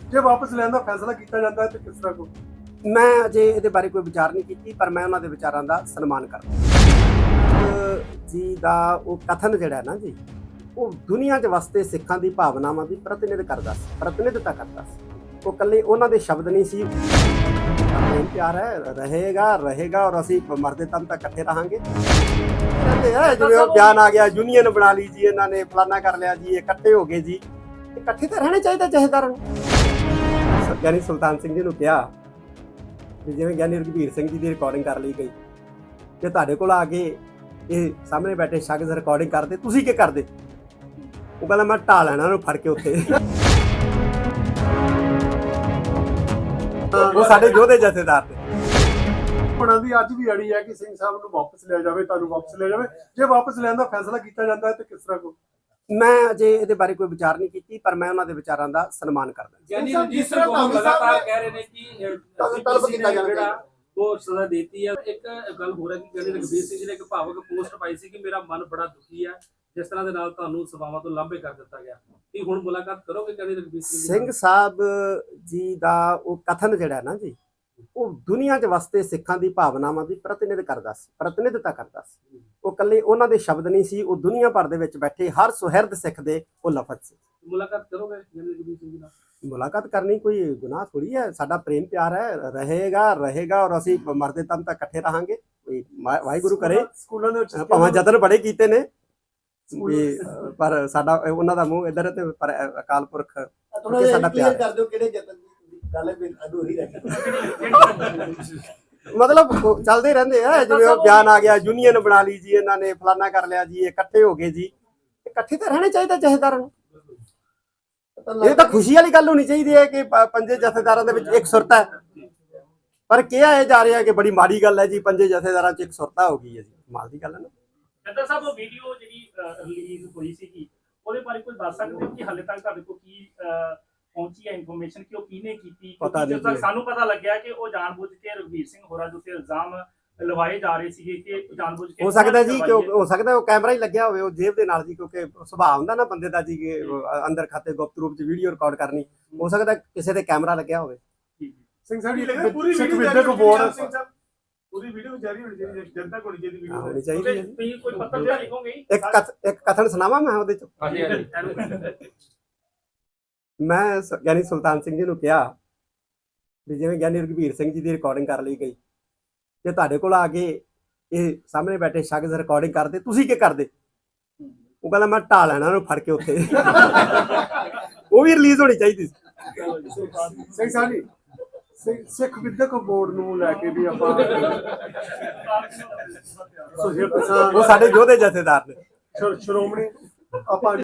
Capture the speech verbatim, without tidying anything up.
ਜੇ ਵਾਪਸ ਲੈਣ ਦਾ ਫੈਸਲਾ ਕੀਤਾ ਜਾਂਦਾ ਹੈ ਤੇ ਕਿਸ ਤਰ੍ਹਾਂ ਕੋ ਮੈਂ ਅਜੇ ਇਹਦੇ ਬਾਰੇ ਕੋਈ ਵਿਚਾਰ ਨਹੀਂ ਕੀਤੀ, ਪਰ ਮੈਂ ਉਹਨਾਂ ਦੇ ਵਿਚਾਰਾਂ ਦਾ ਸਨਮਾਨ ਕਰਦਾ ਜੀ ਦਾ ਉਹ ਕਥਨ ਜਿਹੜਾ ਨਾ ਜੀ, ਉਹ ਦੁਨੀਆ 'ਚ ਵਸਦੇ ਸਿੱਖਾਂ ਦੀ ਭਾਵਨਾਵਾਂ ਦੀ ਪ੍ਰਤੀਨਿਧ ਕਰਦਾ ਸੀ, ਪ੍ਰਤੀਨਿਧਤਾ ਕਰਦਾ ਸੀ। ਉਹ ਇਕੱਲੇ ਉਹਨਾਂ ਦੇ ਸ਼ਬਦ ਨਹੀਂ ਸੀ, ਪ੍ਰੇਮ ਪਿਆਰ ਹੈ, ਰਹੇਗਾ ਰਹੇਗਾ ਔਰ ਅਸੀਂ ਮਰਦੇ ਦਮ ਤੱਕ ਇਕੱਠੇ ਰਹਾਂਗੇ। ਕਹਿੰਦੇ ਆ ਜਿਵੇਂ ਉਹ ਬਿਆਨ ਆ ਗਿਆ, ਯੂਨੀਅਨ ਬਣਾ ਲਈ ਜੀ ਇਹਨਾਂ ਨੇ, ਫਲਾਨਾ ਕਰ ਲਿਆ ਜੀ, ਇਕੱਠੇ ਹੋ ਗਏ ਜੀ। ਇਕੱਠੇ ਤਾਂ ਰਹਿਣੇ ਚਾਹੀਦੇ ਜਥੇਦਾਰਾਂ ਨੂੰ। ਗਿਆਨੀ ਸੁਲਤਾਨ ਸਿੰਘ ਜੀ ਨੂੰ ਕਿਹਾ ਵੀ ਜਿਵੇਂ ਗਿਆਨੀ ਰਘਬੀਰ ਸਿੰਘ ਜੀ ਦੀ ਰਿਕਾਰਡਿੰਗ ਕਰ ਲਈ ਗਈ, ਜੇ ਤੁਹਾਡੇ ਕੋਲ ਆ ਕੇ ਇਹ ਸਾਹਮਣੇ ਬੈਠੇ ਸ਼ਖਸ ਰਿਕਾਰਡਿੰਗ ਕਰਦੇ, ਤੁਸੀਂ ਕੀ ਕਰਦੇ? ਉਹ ਕਹਿੰਦਾ ਮੈਂ ਢਾਹ ਲੈਣਾ ਉਹਨੂੰ ਫੜ ਕੇ ਉੱਥੇ। ਉਹ ਸਾਡੇ ਯੋਧੇ ਜਥੇਦਾਰ ਨੇ। ਉਹਨਾਂ ਦੀ ਅੱਜ ਵੀ ਅੜੀ ਹੈ ਕਿ ਸਿੰਘ ਸਾਹਿਬ ਨੂੰ ਵਾਪਸ ਲਿਆ ਜਾਵੇ, ਤੁਹਾਨੂੰ ਵਾਪਸ ਲਿਆ ਜਾਵੇ। ਜੇ ਵਾਪਸ ਲੈਣ ਦਾ ਫੈਸਲਾ ਕੀਤਾ ਜਾਂਦਾ ਹੈ ਤੇ ਕਿਸ ਤਰ੍ਹਾਂ ਕੋ ਮੈਂ ਅਜੇ ਇਹਦੇ ਬਾਰੇ ਕੋਈ ਵਿਚਾਰ ਨਹੀਂ ਕੀਤੀ, ਪਰ ਮੈਂ ਉਹਨਾਂ ਦੇ ਵਿਚਾਰਾਂ ਦਾ ਸਨਮਾਨ ਕਰਦਾ। ਯਾਨੀ ਜਿਸ ਤਰ੍ਹਾਂ ਤੁਹਾਨੂੰ ਲਗਾਤਾਰ ਕਹਿ ਰਹੇ ਨੇ ਕਿ ਤਲਬ ਕੀਤਾ ਜਾਣਾ ਉਹ ਸਜ਼ਾ ਦੇਤੀ ਹੈ। ਇੱਕ ਗੱਲ ਹੋ ਰਹੀ ਕਿ ਗਿਆਨੀ ਰਘਬੀਰ ਸਿੰਘ ਜੀ ਨੇ ਇੱਕ ਭਾਵਕ ਪੋਸਟ ਪਾਈ ਸੀ ਕਿ ਮੇਰਾ ਮਨ ਬੜਾ ਦੁਖੀ ਹੈ ਜਿਸ ਤਰ੍ਹਾਂ ਦੇ ਨਾਲ ਤੁਹਾਨੂੰ ਸਭਾਵਾਂ ਤੋਂ ਲਾਂਭੇ ਕਰ ਦਿੱਤਾ ਗਿਆ। ਕੀ ਹੁਣ ਮੁਲਾਕਾਤ ਕਰੋਗੇ ਗਿਆਨੀ ਰਘਬੀਰ ਸਿੰਘ ਸਿੰਘ ਸਾਹਿਬ ਜੀ ਦਾ ਉਹ ਕਥਨ ਜਿਹੜਾ ਨਾ ਜੀ, ਉਹ ਦੁਨੀਆ 'ਚ ਵਸਦੇ ਸਿੱਖਾਂ ਦੀ ਭਾਵਨਾਵਾਂ ਦੀ ਪ੍ਰਤੀਨਿਧ ਕਰਦਾ ਸੀ, ਪ੍ਰਤੀਨਿਧਤਾ ਕਰਦਾ ਸੀ। ਉਹ ਇਕੱਲੇ ਉਹਨਾਂ ਦੇ ਸ਼ਬਦ ਨਹੀਂ ਸੀ, ਉਹ ਦੁਨੀਆ ਭਰ ਦੇ ਵਿੱਚ ਬੈਠੇ ਹਰ ਸੁਹਿਰਦ ਸਿੱਖ ਦੇ ਉਹ ਲਫ਼ਜ਼ ਸੀ। ਮੁਲਾਕਾਤ ਕਰੋਗੇ ਗਿਆਨੀ ਰਘਬੀਰ ਸਿੰਘ ਜੀ ਨਾਲ? ਮੁਲਾਕਾਤ ਕਰਨੀ ਕੋਈ ਗੁਨਾਹ ਥੋੜੀ ਹੈ। ਸਾਡਾ ਪ੍ਰੇਮ ਪਿਆਰ ਹੈ, ਰਹੇਗਾ ਰਹੇਗਾ ਔਰ ਅਸੀਂ ਮਰਦੇ ਦਮ ਤੱਕ ਇਕੱਠੇ ਰਹਾਂਗੇ। ਕੋਈ ਵਾਹਿਗੁਰੂ ਕਰੇ। ਸਕੂਲਾਂ ਦੇ ਵਿੱਚ ਭਾਵੇਂ ਯਤਨ ਬੜੇ ਕੀਤੇ ਨੇ ਵੀ, ਪਰ ਸਾਡਾ ਉਹਨਾਂ ਦਾ ਮੂੰਹ ਇੱਧਰ ਤੇ ਪਰ ਅਕਾਲ ਪੁਰਖ ਸਾਡਾ ਪਿਆਰ ਕਰ ਦਿਓ ਕਿਹੜੇ ਯਤਨ ਦੀ ਗੱਲ ਅਧੂਰੀ ਰਹਿ ਗਈ। ਮਤਲਬ ਚੱਲਦੇ ਰਹਿੰਦੇ ਆ, ਜਿਵੇਂ ਉਹ ਬਿਆਨ ਆ ਗਿਆ, ਯੂਨੀਅਨ ਬਣਾ ਲਈ ਜੀ ਇਹਨਾਂ ਨੇ, ਫਲਾਨਾ ਕਰ ਲਿਆ ਜੀ, ਇਕੱਠੇ ਹੋ ਗਏ ਜੀ। ਇਕੱਠੇ ਤਾਂ ਰਹਿਣੇ ਚਾਹੀਦੇ ਜਥੇਦਾਰਾਂ ਨੂੰ। ਇਹ ਤਾਂ ਖੁਸ਼ੀ ਵਾਲੀ ਗੱਲ ਹੋਣੀ ਚਾਹੀਦੀ ਹੈ ਕਿ ਪੰਜੇ ਜਥੇਦਾਰਾਂ ਦੇ ਵਿੱਚ ਇੱਕ ਸੁਰਤਾ ਹੈ, ਪਰ ਕਿਹਾ ਇਹ ਜਾ ਰਿਹਾ ਕਿ ਬੜੀ ਮਾੜੀ ਗੱਲ ਹੈ ਜੀ, ਪੰਜੇ ਜਥੇਦਾਰਾਂ 'ਚ ਇੱਕ ਸੁਰਤਾ ਹੋ ਗਈ ਹੈ ਜੀ। ਕਮਾਲ ਦੀ ਗੱਲ ਹੈ ਨਾ। ਜੱਦਾ ਸਾਹਿਬ ਉਹ ਵੀਡੀਓ ਜਿਹੜੀ ਰਿਲੀਜ਼ ਹੋਈ ਸੀ, ਉਹਦੇ ਬਾਰੇ ਕੋਈ ਦੱਸ ਸਕਦੇ ਹੋ ਕਿ ਹਾਲੇ ਤੱਕ ਤੁਹਾਡੇ ਕੋਲ ਕੀ ਪਹੁੰਚੀ ਹੈ ਇਨਫੋਰਮੇਸ਼ਨ ਕਿ ਉਹ ਕਿਹਨੇ ਕੀਤੀ? ਜਦੋਂ ਤੱਕ ਸਾਨੂੰ ਪਤਾ ਲੱਗਿਆ ਕਿ ਉਹ ਜਾਣਬੁੱਝ ਕੇ ਰਘਬੀਰ ਸਿੰਘ ਹੋਰਾਂ ਦੇ ਉੱਤੇ ਇਲਜ਼ਾਮ ਲਵਾਏ ਜਾ ਰਹੇ ਸੀਗੇ ਕਿ ਜਾਣਬੁੱਝ ਕੇ। ਹੋ ਸਕਦਾ ਜੀ ਕਿ ਹੋ ਸਕਦਾ ਉਹ ਕੈਮਰਾ ਹੀ ਲੱਗਿਆ ਹੋਵੇ ਉਹ ਜੇਬ ਦੇ ਨਾਲ ਜੀ, ਕਿਉਂਕਿ ਸੁਭਾਅ ਹੁੰਦਾ ਨਾ ਬੰਦੇ ਦਾ ਜੀ ਕਿ ਅੰਦਰ ਖਾਤੇ ਗੁਪਤ ਰੂਪ 'ਚ ਵੀਡੀਓ ਰਿਕਾਰਡ ਕਰਨੀ। ਹੋ ਸਕਦਾ ਕਿਸੇ ਦੇ ਕੈਮਰਾ ਲੱਗਿਆ ਹੋਵੇ। ਸਿੰਘ ਸਾਹਿਬ ਜੀ ਪੂਰੀ ਵੀਡੀਓ ਬੋਰਡ ਪੂਰੀ ਵੀਡੀਓ ਜਾਰੀ ਹੋਣੀ ਚਾਹੀਦੀ ਹੈ, ਜਨਤਾ ਕੋਲ ਜਿਹੜੀ ਵੀਡੀਓ ਹੋਣੀ ਚਾਹੀਦੀ ਹੈ। ਤੁਸੀਂ ਕੋਈ ਪੱਤਰ ਜਿਹਾ ਲਿਖੋਗੇ? ਇੱਕ ਇੱਕ ਕਥਨ ਸੁਣਾਵਾਂ ਮੈਂ ਉਹਦੇ 'ਚ। ਮੈਂ ਗਿਆਨੀ ਸੁਲਤਾਨ ਸਿੰਘ ਜੀ ਨੂੰ ਕਿਹਾ ਵੀ ਜਿਵੇਂ ਗਿਆਨੀ ਰਘਬੀਰ ਸਿੰਘ ਜੀ ਦੀ ਰਿਕਾਰਡਿੰਗ ਕਰ ਲਈ ਗਈ, ਜੇ ਤੁਹਾਡੇ ਕੋਲ ਆ ਕੇ ਇਹ ਸਾਹਮਣੇ ਬੈਠੇ ਸ਼ਖਸ ਰਿਕਾਰਡਿੰਗ ਕਰਦੇ, ਤੁਸੀਂ ਕੀ ਕਰਦੇ? ਉਹ ਕਹਿੰਦਾ ਮੈਂ ਢਾਹ ਲੈਣਾ ਉਹਨੂੰ ਫੜ ਕੇ ਉੱਥੇ। ਉਹ ਵੀ ਰਿਲੀਜ਼ ਹੋਣੀ ਚਾਹੀਦੀ ਸੀ। ਸਿੰਘ ਸਾਹਿਬ ਜੀ ਸਿੱਖ ਵਿਦਿਅਕ ਬੋਰਡ ਨੂੰ ਲੈ ਕੇ ਵੀ ਆਪਾਂ ਉਹ ਸਾਡੇ ਯੋਧੇ ਜਥੇਦਾਰ ਨੇ। ਸ਼੍ਰੋਮਣੀ ਆਪਾਂ